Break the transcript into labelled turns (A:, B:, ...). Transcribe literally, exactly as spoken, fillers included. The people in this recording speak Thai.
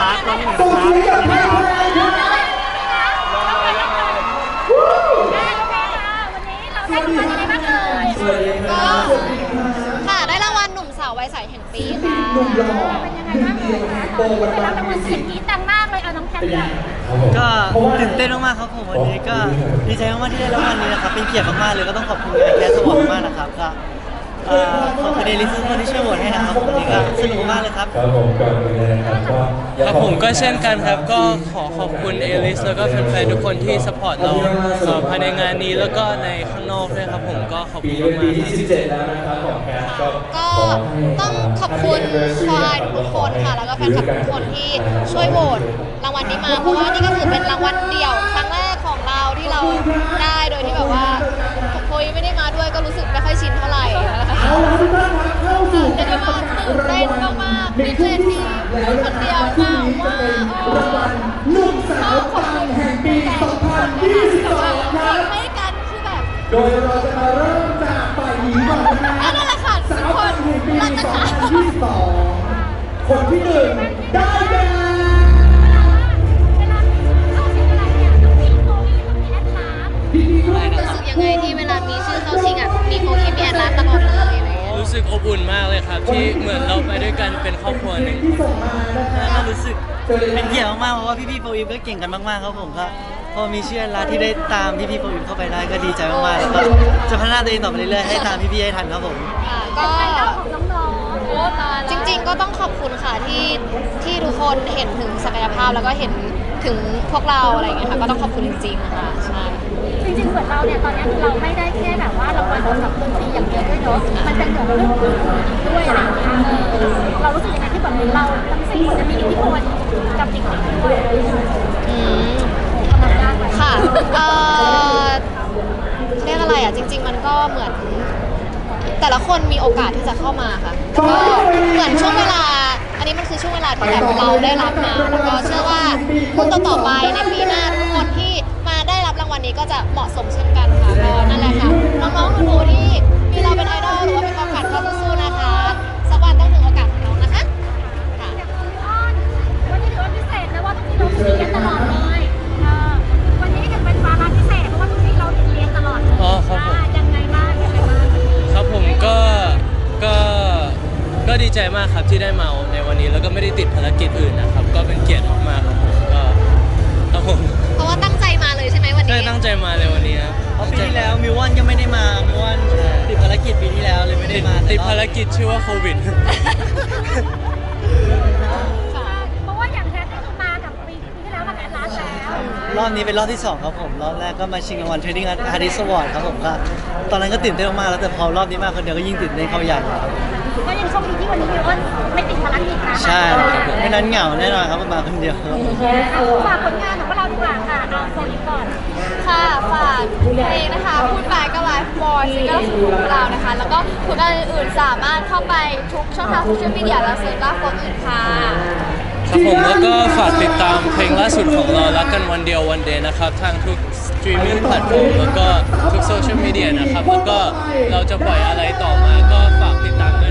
A: ครับร้องหนึ่งครับ
B: ค่ะได้รางวัลหนุ่มสาววัยใสแห่งปีค่ะ
C: หนุ่มหล่อหนึ่งเดียวในโบวันวันมิวสิก
D: กีดังมากเลยเอาน้องแคท
A: ก็ตื่นเต้นมากๆครับผมวันนี้ก็ดีใจมากๆที่ได้รางวัลนี้นะครับเป็นเกียรติมากๆเลยก็ต้องขอบคุณแคสสวอร์มากๆนะครับก็เอ่อขอบคุณเอลิซทุกคนที่ช่วยโหวตให้นะครับวันนี้ก็สนุกมากเลยครับ
E: ครับผมก่อนอื่นเลยนะครับก็อยาก
F: ครับ
E: ขอบ
F: ผ
E: คุ
F: ม
E: ณ
F: ก็เช่นกันครับก็ขอขอบคุณเอลิสแล้วก็แฟนๆทุกคนที่สปอร์ตเราเอ่อภายในงานนี้แล้วก็ในข้างนอกด้วยครับผมก็ขอบ
E: ปี
F: คุณ
E: เป็น
F: มาก
E: ปี
F: ๆค
E: ที่
F: รับ
E: สิบเจ็ดแล้วนะครับของแคสก็
B: ก็ต้องขอบคุณควายทุกคนค่ะแล้วก็แฟนคลับทุกคนที่ช่วยโหวตรางวัลนี้มาเพราะว่านี่ก็ถือเป็นรางวัลเดี่ยวครั้งแรกของเราที่เราได้โดยที่แบบว่าโคยไม่ได้มาด้วยก็รู้สึกไม่ค่อยชินเท่าไหร่
C: เอาละทุกท่านครับเข้าสู่
B: เดี๋ยว
C: การ
B: มา
C: ประกาศ
B: ตื่น
C: รา
B: เต้
C: ง
B: น
C: วัล
B: มากๆ
C: ใน
B: ดี
C: ช่
B: เจ
C: วงที่
B: ที่
C: สามแล้ว
B: คน
C: นะค
B: เดี
C: รับ
B: ยว
C: ซึ่ง
B: มาก
C: นี้
B: ว่า
C: จะเป็นรางวัลหนุ่มสาวปังแห่งปี สองพันยี่สิบสอง ครับ
B: ให้กันคือแบบ
C: โดยเราจะมาเริ่มจากฝ่ายหญิงก่อนนะค
B: นั่
C: รับ
B: นแหละค่ะ
C: สาวปังแห่งปี
B: นั่นแหละ
C: สอง
B: ค่ะ
C: พันยี่สิบสองคนที่หนึ่งได้แก่
B: รู้สึกยังไงที่เวลามีชื่อเข้าชิงอ่ะมีโฟอีมีแอนลาสตลอดเลยอะไรอย่างเงี้ย
F: รู้สึกอบอุ่นมากเลยครับที่เหมือนเราไปด้วยกันเป็นครอบครัวหนึ่ง
C: ที่ส่งมานะค
A: แล้ว
C: รั
A: ก็
C: บ
A: รู้สึกเป็นเกียรติมากๆเพราะว่าพี่ๆโฟอีฟก็เก่งกันมากๆครับผมก็พอมีชื่อร้านที่ได้ตามพี่ๆโฟอีฟเข้าไปได้ก็ดีใจมากๆแล้วก็จะพัฒนาตัวเองต่อไปเรื่อยๆให้ตามพี่ๆให้ทันครับผม
B: ค่ะก็จริงๆก็ต้องขอบคุณค่ะที่ที่ทุกคนเห็นถึงศักยภาพแล้วก็เห็นถึงพวกเราอะไรอย่างเงี้ยค่ะก็ต้องขอบคุณจริงๆค่ะใช่
D: จริงๆเหมือนเราเนี่ยตอนนี้คือเราไม่ได้แค่แบบว่ารางวัลกับดนตรีอย่างเดียวด้วยเนาะมันเป็นเหมือนเรื่องอื่นด้วยอะไรอย่างเงี้ยเออเรารู้สึกยังไงที่แบบเราทั้งสี่คนจะมีอิทธิพลกับเด็กๆด้วย
B: อืม
D: ทำงานยากไหม
B: ค่ะเอ่อเรียกอะไรอ่ะจริง ๆ มันก็เหมือน แต่ละคนมีโอกาสที่จะเข้ามาค่ะก็เหมือนช่วงเวลา อันนี้มันคือช่วงเวลาที่แบบเราได้รับมา แล้วก็เชื่อว่าคนต่อๆไปในปีหน้าทุกคนที่มาได้รับรางวัลนี้ก็จะเหมาะสมเช่นกันค่ะก็นั่นแหละค่ะน้องๆหนูๆที่มีเราเป็นไอดอลหรือว่าเป็นความฝันก็สู้ๆนะคะสักวันต้องถึงโอกาสของน้องนะคะค่ะ
D: วันนี้ถือว่าพิเศษนะว่าทุกทีเราคุยกันตลอดเลยเออวันนี้จะเป็นวาระพิเศษเพราะว่าทุกทีเราเรียนตลอดเลย
F: อ๋อครับผม
D: อ่ายังไงบ้างยังไงบ้าง
F: ครับผมก็ก็ก็ดีใจมากครับที่ได้มาในวันนี้แล้วก็ไม่ได้ติดภารกิจอื่นนะครับก็เป็นเกียรติมากๆครับผมก็ครับผม
B: เพราะว่าตั้งใจมาเลยใช่ไหมวัน
F: ได้
B: นี้
F: ตั้งใจมาในวันนี้ครับ
A: เพราะปีที่แล้วมิวอนก็ไม่ได้มามิวอนติดภารกิจปีที่แล้วเลยไม่ได้
F: ติด
A: มา
F: ติดภารกิจชื่อว่าโควิด
D: เพราะว่าอย่างแท้ก็คือมากับปีที่แล้วกับแอดลาสแล้ว
A: รอบนี้เป็นรอบที่สองครับผมรอบแรกก็มาชิงรางวัล Trading Artist Award ครับผมก็ตอนนั้นก็ตื่นเต้นมากๆแล้วแต่พอรอบนี้มาคนเดียวก็ยิ่งตื่นเต้นเข้าใหญ่เลยครับ
D: ก็ยังโชคดีที่วันนี้มิวอนไม่ติดภารกิจนะ
A: ใช่ครับผมไม่นั้นเหงาแน่นอนครับมาคนเดียวครับ
D: ฝากผลงานของพวกเราดีกว่าค่ะเอาโซนนี้ก่อน
B: ค่ะฝากเพลงนะคะพูดไปก็ไลฟ์บอยซิงเกิลของเรานะคะ แล้วก็ผลงานอื่นๆสามารถเข้าไปทุกช่องทางโซเชียลมีเดียและเซิร์ชล่าคนอื่นค่ะ
F: ครับผมแล้วก็ฝากติดตามเพลงล่าสุดของเรารักกันวันเดียววันเดย์นะครับทางทุกสตรีมมิ่งแพลตฟอร์มแล้วก็ทุกโซเชียลมีเดียนะครับแล้วก็เราจะปล่อยอะไรต่อมาก็ฝากติดตามด้วย